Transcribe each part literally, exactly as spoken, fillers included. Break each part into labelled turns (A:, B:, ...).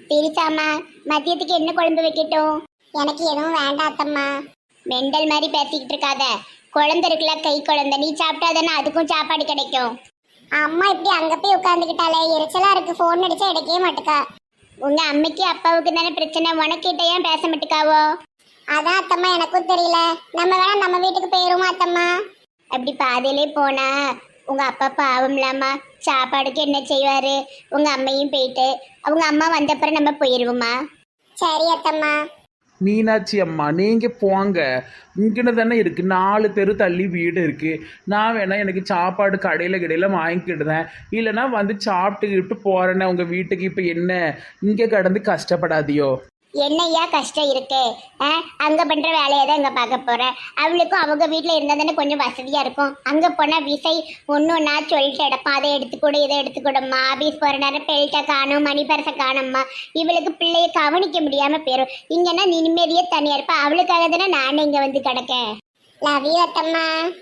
A: தெரிச்சாமா, மதியத்துக்கு என்ன குழம்பு வைக்கட்டும்? எனக்கு எதுவும் வேண்டாம் அத்தம்மா. மெண்டல் மாதிரி பேசிக்கிட்டு இருக்காத. குழந்தை இருக்குல்ல, கை குழந்தை, நீ சாப்பிட்டாதானே அதுக்கும் சாப்பாடு கிடைக்கும். அம்மா இப்படி அங்க போய் உட்காந்துக்கிட்டாலே எரிச்சலா இருக்கு. போன் அடிச்சா எடுக்கவே மாட்டுக்கா. உங்க அம்மைக்கு அப்பாவுக்கு தானே பிரச்சனை, உனக்கிட்ட ஏன் பேச மாட்டுக்காவோ? அதான் அத்தம்மா எனக்கும் தெரியல. நம்ம வேணா நம்ம வீட்டுக்கு போயிருவோமா அத்தம்மா? அப்படி பாதையிலே போனா உங்க அப்பா பாவம்லாமா, சாப்பாடுக்கு என்ன செய்வாரு? உங்க அம்மையும் போயிட்டு அவங்க அம்மா வந்தப்புறம் நம்ம போயிருவோமா? சரி அத்தம்மா.
B: மீனாட்சி அம்மா நீங்கள் போங்க, இங்கன்னு தானே இருக்குது, நாலு தெரு தள்ளி வீடு இருக்குது. நான் வேணா எனக்கு சாப்பாடு கடையில் கடையில் வாங்கிக்கிடுதேன், இல்லைனா வந்து சாப்பிட்டுக்கிட்டு போகிறேன்னே உங்கள் வீட்டுக்கு. இப்போ என்ன இங்கே கடந்து கஷ்டப்படாதியோ?
A: என்னையா கஷ்டம் இருக்கு? அங்க பண்ற வேலையை தான் இங்க பார்க்க போறேன். அவளுக்கும் அவங்க வீட்டுல இருந்தா தானே கொஞ்சம் வசதியா இருக்கும். அங்க போனா விசை ஒன்னு ஒன்னா சொல்லிட்டு எடுப்பான், அதை எடுத்துக்கூட இதை எடுத்துக்கூடம்மா. ஆபீஸ் போற நேரம் பெல்ட்டை காணும், மணி பரிசை காணும்மா. இவளுக்கு பிள்ளைய கவனிக்க முடியாம போயிரும். இங்கன்னா நீ நிம்மதியே தனியா இருப்பா. அவளுக்காக தானே நானே இங்க வந்து கிடக்கேன். Love you அத்தம்மா.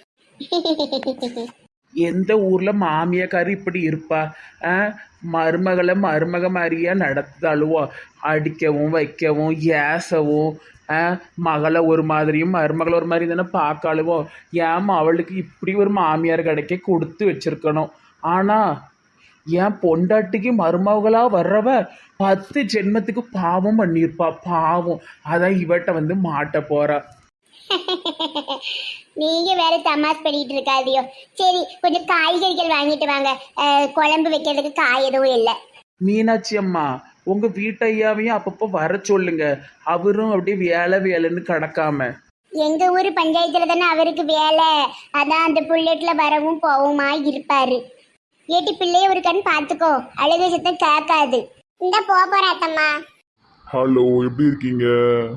B: எந்த ஊரில் மாமியாக்காரி இப்படி இருப்பா? மருமகளை மருமக மாதிரியா நடத்தாளுவோ? அடிக்கவும் வைக்கவும் ஏசவும், மகளை ஒரு மாதிரியும் மருமகளை ஒரு மாதிரி தானே பார்க்காளுவோ? ஏமா அவளுக்கு இப்படி ஒரு மாமியார் கிடைக்க கொடுத்து வச்சிருக்கணும். ஆனால் என் பொண்டாட்டிக்கு மருமகளாக வர்றவ பத்து ஜென்மத்துக்கு பாவம் பண்ணியிருப்பா. பாவம், அதான் இவட்ட வந்து மாட்ட போறா.
A: நீங்க வேற தமாஸ் பண்ணிட்டு இருக்காதியோ. சரி, கொஞ்சம் காய்கறிகள் வாங்கிட்டு வாங்க. குழம்பு வைக்கிறதுக்கு காய் எதுவும் இல்லை.
B: மீனாட்சி அம்மா, உங்க வீட்டையாவையும் அப்பப்போ வர சொல்லுங்க. அவரும் அப்படியே வேலை வேலைன்னு கிடக்காம.
A: எங்க ஊர் பஞ்சாயத்துல தானே அவருக்கு வேலை. அதான் அந்த புல்லட்ல வரவும் போவுமா இருப்பாரு. ஏட்டி பிள்ளைய ஒரு கண் பாத்துக்கோ, அழுக சத்தம் கேட்காது. இந்த போற அத்தம்மா.
C: ஹலோ, எப்படி இருக்கீங்க?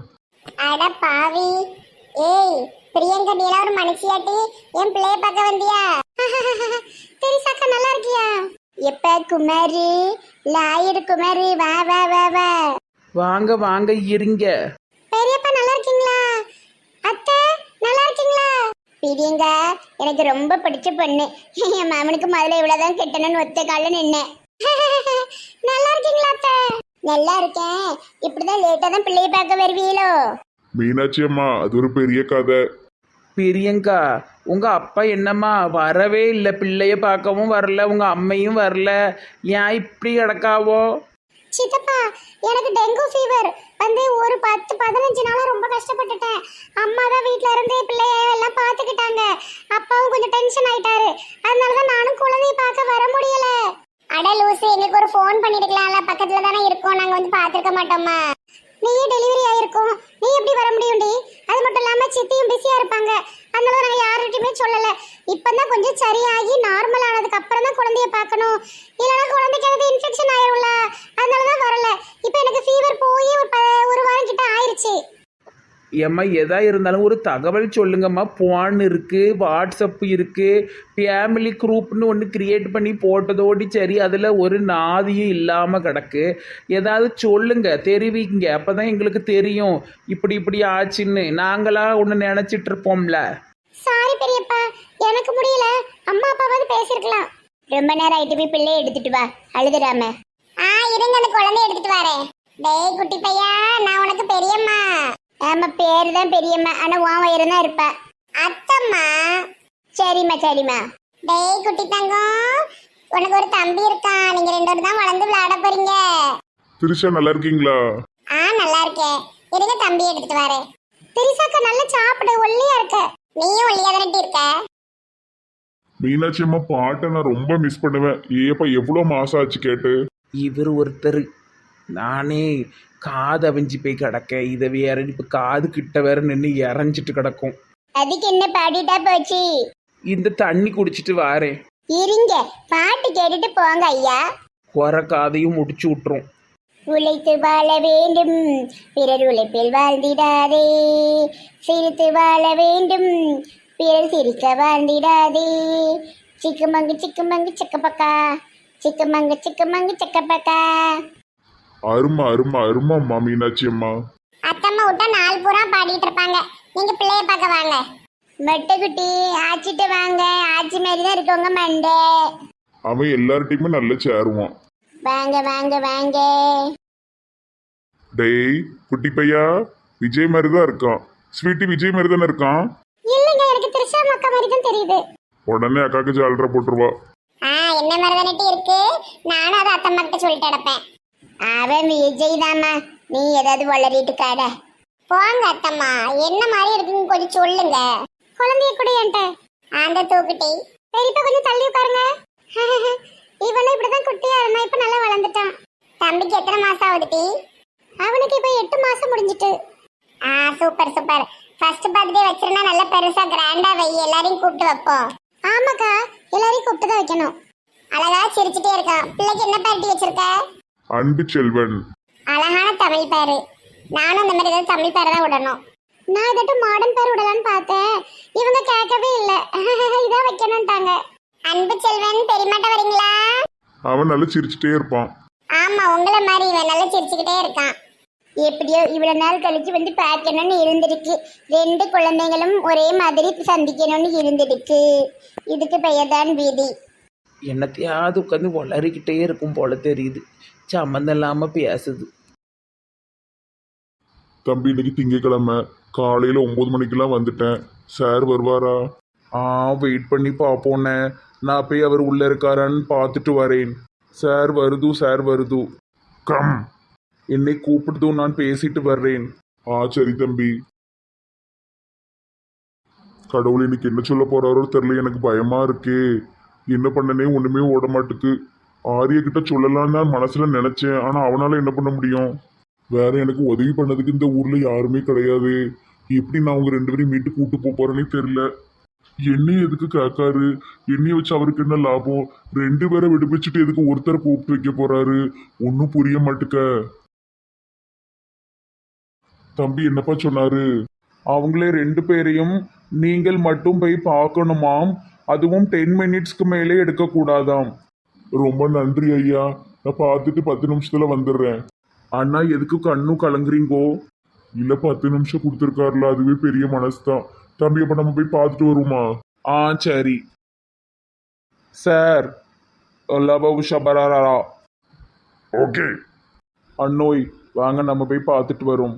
A: அட பாவி, ஏய் பிரியங்கா, நீ ஒரு மனுஷியாட்டி என் பிள்ளைய பார்க்க வந்தியா? தெரிசாக்கா நல்லா இருக்கியா? எப்ப குமாரி, லாயர் குமாரி, வா வா வா வா.
B: வாங்க வாங்க இருங்க.
A: பெரியப்பா நல்லா இருக்கீங்களா? அத்தை நல்லா இருக்கீங்களா? பிரியங்கா எனக்கு ரொம்ப பிடிச்ச பொண்ணு. என் மாமனுக்கு முதல்ல இவ்வளவுதான் கெட்டணும்னு ஒத்த கால நின்னேன். நல்லா இருக்கீங்களா அத்தை? நல்லா இருக்கேன். இப்படிதான் லேட்டா தான் பிள்ளைய பார்க்க வருவீங்களோ?
C: மீனாட்சி அம்மா, அது ஒரு பெரிய கதை.
B: பிரியங்கா, உங்க அப்பா என்னம்மா வரவே இல்லை, பிள்ளைய பார்க்கவும் வரல, உங்க அம்மையும் வரல, ஏன் இப்படி கிடக்காவோ?
A: சித்தப்பா, எனக்கு டெங்கு ஃபீவர் வந்து ஒரு பத்து பதினஞ்சு நாளா ரொம்ப கஷ்டப்பட்டுட்டேன். அம்மா தான் வீட்டுல இருந்து பிள்ளைய எல்லாம் பார்த்துக்கிட்டாங்க. அப்பாவும் கொஞ்சம் டென்ஷன் ஆயிட்டாரு. அதனாலதான் நானும் குழந்தைய பார்க்க வர முடியல. அட லூசு, எங்களுக்கு ஒரு ஃபோன் பண்ணிருக்கலாம்ல, பக்கத்துல தானே இருக்கோம், நாங்க வந்து பார்த்துருக்க மாட்டோமா? நீயே டெலிவரி ஆயிருக்கும், நீ எப்படி வர முடியும்டி? அது மட்டும் இல்லாம சித்தியும் பிஸியா இருப்பாங்க. அதனால நாங்க யார்கிட்டயுமே சொல்லல. இப்பதான் கொஞ்சம் சரியாகி நார்மல் ஆனதுக்கு அப்புறம் தான் குழந்தைய பார்க்கணும். இல்லைன்னா குழந்தைக்கு அது இன்ஃபெக்ஷன் ஆயிரும்ல, அதனாலதான் வரல. இப்ப எனக்கு ஃபீவர் போய் ஒரு ஒரு வாரம் கிட்ட ஆயிருச்சு.
B: ஏம்மா எதா இருந்தாலும் ஒரு தகவல் சொல்லுங்கம்மா. போன் இருக்கு, வாட்ஸ்அப் இருக்கு, ஃபேமிலி குரூப்னு ஒன்று கிரியேட் பண்ணி போட்டதோடி சரி, அதில் ஒரு நாதியும் இல்லாமல் கிடக்கு. ஏதாவது சொல்லுங்க, தெரிவிங்க, அப்போ தான் எங்களுக்கு தெரியும் இப்படி இப்படி ஆச்சுன்னு. நாங்களா ஒன்று நினச்சிட்டு இருப்போம்ல.
A: சாரி பெரியப்பா, எனக்கு முடியல. அம்மா அப்பாவது பேசிருக்கலாம். ரொம்ப நேரம் ஆயிட்டு, போய் பிள்ளைய எடுத்துட்டு வா, அழுதுடாம. ஆ இருங்க, அந்த குழந்தைய எடுத்துட்டு வரேன். டேய் குட்டி பையா, நான் உனக்கு பெரியம்மா. ஆமா, பேரு தான் பெரியம்மா, ஆனா உன் வயிறு தான் இருப்ப. அத்தம்மா. சரிம்மா சரிம்மா. டேய் குட்டி தங்கம், உனக்கு ஒரு தம்பி இருக்கான். நீங்க ரெண்டு பேரும் தான் வளர்ந்து விளையாட போறீங்க.
C: திரிஷா, நல்லா இருக்கீங்களா?
A: ஆ நல்லா இருக்கேன். இருங்க தம்பி எடுத்துட்டு வரேன். திரிசாக்கா நல்லா சாப்பிடு, ஒல்லியா இருக்க. நீயும் ஒல்லியா தானே இருக்க.
C: மீனாட்சி அம்மா பாட்டை நான் ரொம்ப மிஸ் பண்ணுவேன். ஏப்பா எவ்வளோ மாசம் ஆச்சு கேட்டு.
B: இவர் ஒருத்தர், நானே காது அவிஞ்சி போய் கிடக்க, இதை வேற இப்போ காது கிட்ட வேற நின்று இறஞ்சிட்டு கிடக்கும்.
A: அதுக்கு என்ன பாடிட்டா போச்சு?
B: இந்த தண்ணி குடிச்சிட்டு வாரேன்.
A: இருங்க, பாட்டு கேட்டுட்டு போங்க ஐயா.
B: குறை காதையும் முடிச்சு விட்டுரும்.
A: உழைத்து வாழ வேண்டும், பிறர் உழைப்பில் வாழ்ந்திடாதே. சிரித்து வாழ வேண்டும், பிறர் சிரிக்க வாழ்ந்திடாதே. சிக்குமங்கு சிக்குமங்கு சிக்கப்பக்கா, சிக்குமங்கு சிக்குமங்கு சிக்கப்பக்கா.
C: அருமா அருமா அருமாம்மா மீனாட்சி அம்மா.
A: அத்தம்மா விட்டா நாலு பூரா பாடிட்டு இருப்பாங்க. நீங்க பிள்ளைய பார்க்க வாங்க. மெட்டுக்குட்டி ஆச்சிட்டு வாங்க. ஆச்சி மாதிரி தான் இருக்கவங்க மண்டே.
C: அவன் எல்லார்ட்டையுமே நல்லா சேருவான்.
A: வாங்க வாங்க வாங்க.
C: டேய் குட்டி பையா, விஜய் மாதிரி தான் இருக்கான். ஸ்வீட்டி விஜய் மாதிரி தானே இருக்கான்.
A: இல்லைங்க, எனக்கு திரிஷா அக்கா மாதிரி தான் தெரியுது.
C: உடனே அக்காக்கு ஜாலரா போட்டுருவா.
A: ஆ, என்ன மாதிரி தானே இருக்கு. நானும் அதை அத்தம்மா கிட்ட சொல்லிட்டு கிடப்பேன். அவன் விஜய் தாம்மா, நீ ஏதாவது வளரிட்டு காட. போங்க அத்தம்மா, என்ன மாதிரி இருக்குன்னு கொஞ்சம் சொல்லுங்க. குழந்தைய கூட என்கிட்ட அந்த தூக்குட்டி. பெரியப்பா கொஞ்சம் தள்ளி உட்காருங்க. இவனும் இப்படிதான் குட்டியா இருந்தா, இப்ப நல்லா வளர்ந்துட்டான். தம்பிக்கு எத்தனை மாசம் ஆகுதுட்டி? அவனுக்கு இப்ப எட்டு மாசம் முடிஞ்சிட்டு. ஆ, சூப்பர் சூப்பர். ஃபர்ஸ்ட் பர்த்டே வச்சிருந்தா நல்லா பெருசா கிராண்டா வை, எல்லாரையும் கூப்பிட்டு வைப்போம். ஆமாக்கா, எல்லாரையும் கூப்பிட்டு தான் வைக்கணும். அழகா சிரிச்சுட்டே இருக்கான். பிள்ளைக்கு என்ன பேர்ட்டி வச்சிருக்க?
C: அன்பு செல்வன்.
A: அழகான தமிழ் பேரு. நானும் இந்த மாதிரி ஏதாவது தமிழ் பேரை தான் விடணும். நான் இதட்டு மாடர்ன் பேர் விடலான்னு பார்த்தேன், இவங்க கேட்கவே இல்லை. இதான் வைக்கணும்ட்டாங்க. அன்பு செல்வன், பெரியமாட்ட வரீங்களா?
C: அவன் நல்லா சிரிச்சுட்டே இருப்பான்.
A: ஆமா, உங்களை மாதிரி இவன் நல்லா சிரிச்சுக்கிட்டே இருக்கான். எப்படியோ இவ்வளவு நாள் கழிச்சு வந்து பார்க்கணும்னு இருந்திருக்கு. ரெண்டு குழந்தைகளும் ஒரே மாதிரி சந்திக்கணும்னு இருந்திருக்கு. இதுக்கு பெயர் தான் வீதி.
B: என்னத்தையாவது உட்காந்து வளரிக்கிட்டே இருக்கும் போல தெரியுது. சம்மந்தம் இல்லாமல் பேசுது.
C: தம்பி இன்னைக்கு திங்கக்கிழமை காலையில் ஒம்பது மணிக்கெல்லாம் வந்துட்டேன். சார் வருவாரா?
B: ஆ, வெயிட் பண்ணி பார்ப்போண்ணே. நான் போய் அவர் உள்ளே இருக்காரான்னு பார்த்துட்டு வரேன். சார் வருது, சார் வருது.
C: கம்.
B: என்னை கூப்பிடுதும், நான் பேசிட்டு வர்றேன்.
C: ஆ சரி தம்பி. கடவுள் இன்னைக்கு என்ன சொல்ல போறாரோ தெரியல, எனக்கு பயமா இருக்கே. என்ன பண்ணனே ஒண்ணுமே ஓட மாட்டுக்கு. ஆரிய கிட்ட சொல்லலாம்னு நான் மனசுல நினைச்சேன், ஆனா அவனால என்ன பண்ண முடியும்? வேற எனக்கு உதவி பண்ணதுக்கு இந்த ஊர்ல யாருமே கிடையாது. எப்படி நான் அவங்க ரெண்டு பேரையும் மீட்டு கூட்டு போக போறேன்னே தெரியல. என்னையும் எதுக்கு கேட்காரு? என்னைய வச்சு அவருக்கு என்ன லாபம்? ரெண்டு பேரை விடுவிச்சுட்டு எதுக்கு ஒருத்தரை கூப்பிட்டு வைக்க போறாரு? ஒன்னும் புரிய மாட்டுக்க. தம்பி என்னப்பா சொன்னாரு?
B: அவங்களே ரெண்டு பேரையும் நீங்கள் மட்டும் போய் பார்க்கணுமாம். அதுவும் டென் மினிட்ஸ்க்கு மேலே எடுக்கக்கூடாதாம்.
C: ரொம்ப நன்றி ஐயா, நான் பார்த்துட்டு பத்து நிமிஷத்துல வந்துடுறேன்.
B: அண்ணா, எதுக்கு கண்ணும் கலங்குறீங்கோ?
C: இல்ல பத்து நிமிஷம் கொடுத்துருக்காருல, அதுவே பெரிய மனசு தான். தம்பி அப்ப நம்ம போய் பார்த்துட்டு வருவோமா?
B: ஆ சரி சார். லவ் ஷபராரா.
C: ஓகே
B: அண்ணோய், வாங்க நம்ம போய் பார்த்துட்டு வரோம்.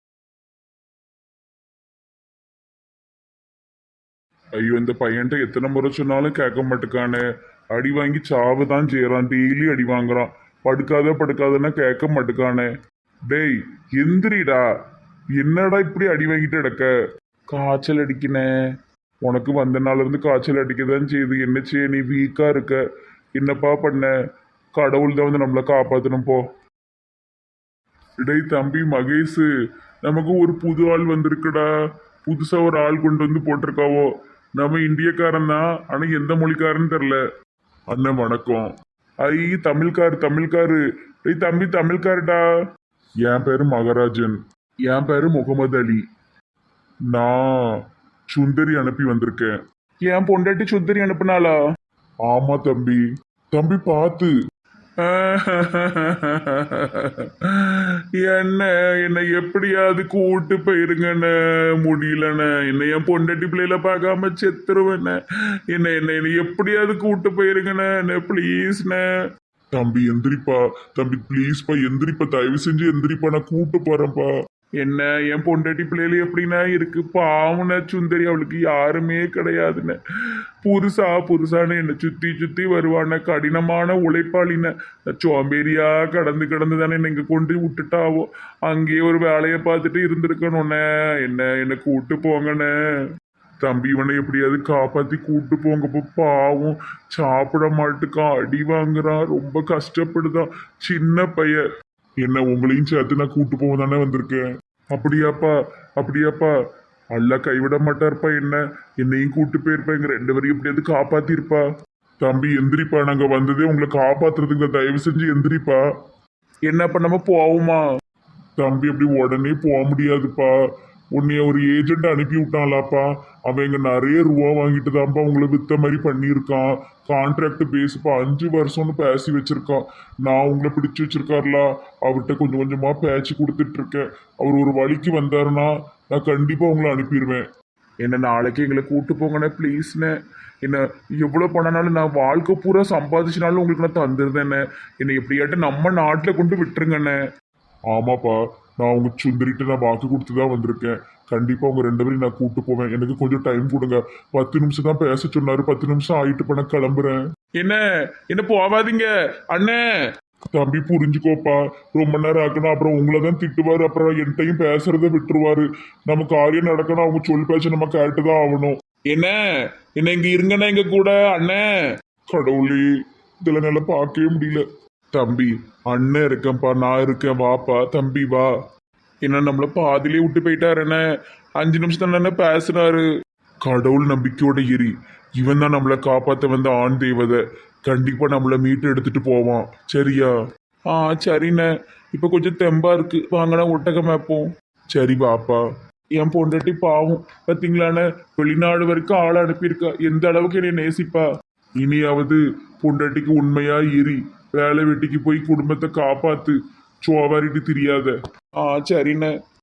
C: ஐயோ, இந்த பையன்ட்ட எத்தனை முறை சொன்னாலும் கேட்க மாட்டுக்கானே. அடி வாங்கி சாவு தான் செய்யறான். டெய்லி அடி வாங்குறான். படுக்காத படுக்காதன்னா கேட்க மாட்டுக்கானே. டேய் எந்திரிடா, என்னடா இப்படி அடி வாங்கிட்டு கிடக்க?
B: காய்ச்சல் அடிக்கினே.
C: உனக்கு வந்த நாள்ல இருந்து காய்ச்சல் அடிக்கதான் செய்யுது. என்ன செய்ய, நீ வீக்கா இருக்க. என்னப்பா பண்ண? கடவுள் தான் வந்து நம்மளை காப்பாத்தணும் போ. டேய் தம்பி மகேஷ், நமக்கு ஒரு புது ஆள் வந்திருக்குடா. புதுசா ஒரு ஆள் கொண்டு வந்து போட்டிருக்காவோ. நம்ம இந்தியக்காரன் தான், ஆனா எந்த மொழிக்காரன்னு தெரில. அண்ணன் வணக்கம். ஐ தமிழ்காரு தமிழ்காரு. டேய் தம்பி தமிழ்காருடா. என் பேரு மகராஜன்.
B: என் பேரு முகமது அலி.
C: நான் சுந்தரி அனுப்பி வந்திருக்கேன்.
B: என் பொண்டாட்டி சுந்தரி அனுப்புனாளா?
C: ஆமா தம்பி. தம்பி பார்த்து.
B: என்ன என்னை எப்படியாவது கூட்டு போயிருங்கண்ணே. முடியலண்ணே, என்னை என் பொண்டாட்டி பிள்ளையில பார்க்காம செத்துருவேண்ணே. என்ன என்ன என்னை எப்படியாவது கூட்டு போயிருங்கண்ணே, ப்ளீஸ்ண்ணே.
C: தம்பி எந்திரிப்பா. தம்பி ப்ளீஸ்ப்பா எந்திரிப்பா, தயவு செஞ்சு எந்திரிப்பா, நான் கூட்டு போறேன்ப்பா.
B: என்ன என் பொண்டாட்டி பிள்ளைல எப்படின்னா இருக்கு. பாவன சுந்தரி, அவளுக்கு யாருமே கிடையாதுன்னு. புதுசா புதுசான்னு என்னை சுத்தி சுத்தி வருவான. கடினமான உழைப்பாளின. சோம்பேறியா கடந்து கடந்து தானே என்னை இங்க கொண்டு விட்டுட்டாவோ. அங்கேயே ஒரு வேலையை பார்த்துட்டு இருந்திருக்கணும்ண்ணே. என்ன என்னை கூட்டு போங்கண்ணே.
C: தம்பி இவனை எப்படியாவது காப்பாத்தி கூட்டு போங்கப்பா. பாவம் சாப்பிட மாட்டுக்கான், அடி வாங்குறான், ரொம்ப கஷ்டப்படுதான். சின்ன பையன். என்ன உங்களையும் சேர்த்து நான் கூட்டு போக தானே வந்திருக்கேன். அப்படியாப்பா அப்படியாப்பா. அல்ல கைவிட மாட்டார்ப்பா. என்ன என்னையும் கூட்டு போயிருப்பா. எங்க ரெண்டு வரையும் எப்படியாவது காப்பாத்திருப்பா. தம்பி எந்திரிப்பா, நாங்க வந்ததே உங்களை காப்பாத்துறதுக்கு தான். தயவு செஞ்சு எந்திரிப்பா.
B: என்ன பண்ணாம போவோமா?
C: தம்பி அப்படி உடனே போக முடியாதுப்பா. உன்னைய ஒரு ஏஜென்ட் அனுப்பி விட்டான்லாப்பா. அவன் இங்க நிறைய ரூபா வாங்கிட்டு தான்ப்பா உங்களை வித்த மாதிரி பண்ணியிருக்கான். கான்ட்ராக்ட் பேஸ்ப்பா, அஞ்சு வருஷம்னு பேசி வச்சிருக்கான். நான் உங்களை பிடிச்சு வச்சிருக்காருல, அவர்கிட்ட கொஞ்சம் கொஞ்சமா பேச்சு கொடுத்துட்டு இருக்கேன். அவர் ஒரு வழிக்கு வந்தாருன்னா நான் கண்டிப்பா உங்களை அனுப்பிடுவேன்.
B: என்ன நாளைக்கு எங்களை கூட்டு போங்கண்ணே ப்ளீஸ்ண்ணே. என்ன எவ்வளோ பண்ணனாலும் நான் வாழ்க்கை பூரா சம்பாதிச்சினாலும் உங்களுக்கு நான் தந்துருந்தேண்ணே. என்னை எப்படியாட்டும் நம்ம நாட்டில் கொண்டு விட்டுருங்கண்ணே.
C: ஆமாப்பா, நான் உங்க சுந்தரிட்டு நான் வாக்கு கொடுத்து தான் வந்திருக்கேன். கண்டிப்பா உங்க ரெண்டு பேரும் நான் கூட்டு போவேன். எனக்கு கொஞ்சம் டைம் கொடுங்க. பத்து நிமிஷம் தான் பேச சொன்னாரு. பத்து நிமிஷம் ஆயிட்டு பண்ண கிளம்புறேன்.
B: என்ன என்ன போவாதீங்க அண்ணே.
C: தம்பி புரிஞ்சுக்கோப்பா. ரொம்ப நேரம் ஆக்கணும், அப்புறம் உங்களை தான் திட்டுவாரு, அப்புறம் என்கிட்டையும் பேசுறத விட்டுருவாரு. நம்ம காரியம் நடக்கணும், அவங்க சொல் பேச்ச நம்ம கேட்டுதான் ஆகணும்.
B: என்ன என்ன இங்க இருங்கண்ணே எங்க கூட அண்ணே.
C: கடவுளே, இதுல நல்லா பார்க்கவே முடியல.
B: தம்பி அண்ணன் இருக்கேன்ப்பா, நான் இருக்கேன், வாப்பா தம்பி வா. என்ன நம்மள பாதிலே விட்டு போயிட்டாரு என்ன. அஞ்சு நிமிஷம் தானே பேசுனாரு.
C: கடவுள் நம்பிக்கையோட எரி. இவன் தான் நம்மளை காப்பாத்த வந்த ஆண் தேவதை. கண்டிப்பா நம்மளை மீட்டு எடுத்துட்டு போவான். சரியா?
B: ஆ சரிண்ணே. இப்போ கொஞ்சம் தெம்பா இருக்கு, வாங்கண்ணா ஒட்டகம் வைப்போம்.
C: சரி பாப்பா.
B: என் பொண்டாட்டி பாவம் பார்த்தீங்களாண்ணே, வெளிநாடு வரைக்கும் ஆளை அனுப்பியிருக்கா. எந்த அளவுக்கு என்னை நேசிப்பா.
C: இனியாவது பொண்டாட்டிக்கு உண்மையா எரி. வேலை வெட்டிக்கு போய் குடும்பத்தை காப்பாத்து. சோவாரிட்டு தெரியாத.
B: ஆ சரிண்ணே.